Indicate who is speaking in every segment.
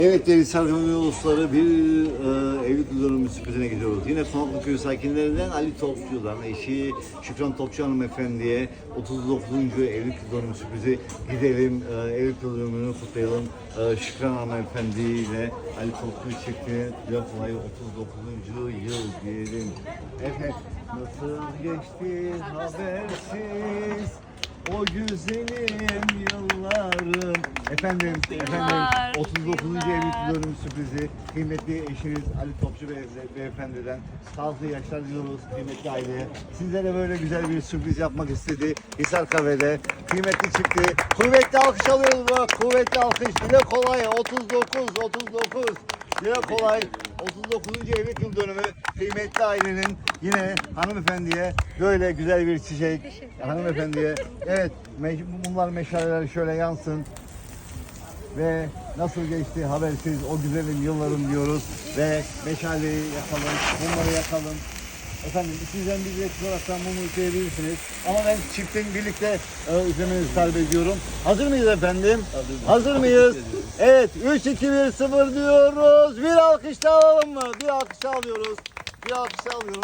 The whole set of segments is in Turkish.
Speaker 1: Evet değerli Sargımlı Ulusları bir evlilik yıldönümü sürprizine gidiyoruz. Yine Konaklı Köyü sakinlerinden Ali Topçu'dan eşi Şükran Topçu hanımefendiye 39. evlilik yıldönümü sürprizi gidelim. Evlilik yıldönümünü kutlayalım. Şükran hanımefendiyle Ali Topçu çiftine laf olayı 39. yıl diyelim. Evet, nasıl geçti habersiz o güzelim yıllarım. Efendim 39. evlilik yıldönümü sürprizi kıymetli eşiniz Ali Topçu beyefendiden sağlıklı yaşlar diliyoruz kıymetli aileye. Sizlere böyle güzel bir sürpriz yapmak istedi Hisar Kahve'de. Kıymetli çifti kuvvetli alkış alıyoruz bak, kuvvetli alkış. Dile kolay 39 dile kolay 39. evlilik yıldönümü kıymetli ailenin yine hanımefendiye böyle güzel bir çiçek hanımefendiye. Evet, mumlar meşaleler şöyle yansın ve nasıl geçti habersiz o güzelim yıllarım diyoruz ve meşaleyi yakalım, mumları yakalım. Efendim sizden bir resim olaraktan mumu üfleyebilirsiniz ama ben çiftin birlikte üflemenizi talep ediyorum. Hazır mıyız efendim? Hazır mıyız? Evet, 3, 2, 1, 0 diyoruz. Bir alkış daha alalım mı? Bir alkış daha alıyoruz. Bir alkış daha alıyoruz.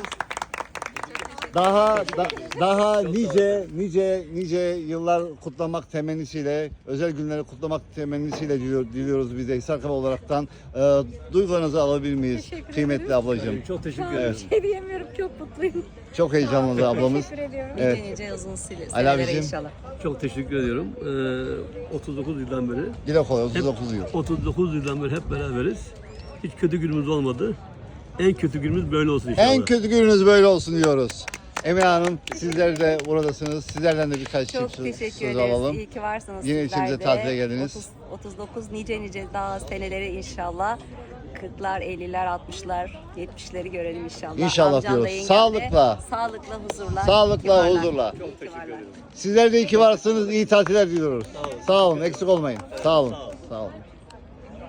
Speaker 1: Daha nice yıllar kutlamak temennisiyle, özel günleri kutlamak temennisiyle diliyoruz biz de Hisar Kahve olaraktan. Duygularınızı alabilir miyiz kıymetli ablacığım?
Speaker 2: Çok teşekkür ederim.
Speaker 3: Bir şey diyemiyorum, çok mutluyum.
Speaker 1: Çok heyecanlı ablamız.
Speaker 3: Teşekkür ediyorum.
Speaker 1: Evet.
Speaker 4: Nice uzun
Speaker 1: Ali
Speaker 4: senelere
Speaker 1: abicim.
Speaker 4: inşallah.
Speaker 2: Çok teşekkür ediyorum. 39 yıldan beri.
Speaker 1: Dile kolay 39 yıl.
Speaker 2: 39 yıldan beri hep beraberiz. Hiç kötü günümüz olmadı. En kötü günümüz böyle olsun inşallah.
Speaker 1: En kötü gününüz böyle olsun diyoruz. Emine Hanım sizler de buradasınız. Sizlerden de birkaç
Speaker 4: Çok
Speaker 1: söz
Speaker 4: teşekkür
Speaker 1: alalım.
Speaker 4: ederiz. İyi ki varsınız.
Speaker 1: Yine
Speaker 4: sizler
Speaker 1: içimize
Speaker 4: de.
Speaker 1: tatile geldiniz.
Speaker 4: 39 nice daha senelere inşallah. 40'lar, 50'ler, 60'lar, 70'leri görelim inşallah.
Speaker 1: İnşallah
Speaker 4: Amcamla,
Speaker 1: diyoruz.
Speaker 4: yengemle
Speaker 1: Sağlıkla.
Speaker 4: Sağlıkla, huzurla.
Speaker 1: Sağlıkla,
Speaker 4: İyi ki varlar.
Speaker 1: huzurla.
Speaker 4: İyi ki varlar.
Speaker 1: Sizler de iyi ki varsınız. İyi tatiller diliyoruz. Sağ olun. Eksik olmayın. Sağ olun. Sağ olun.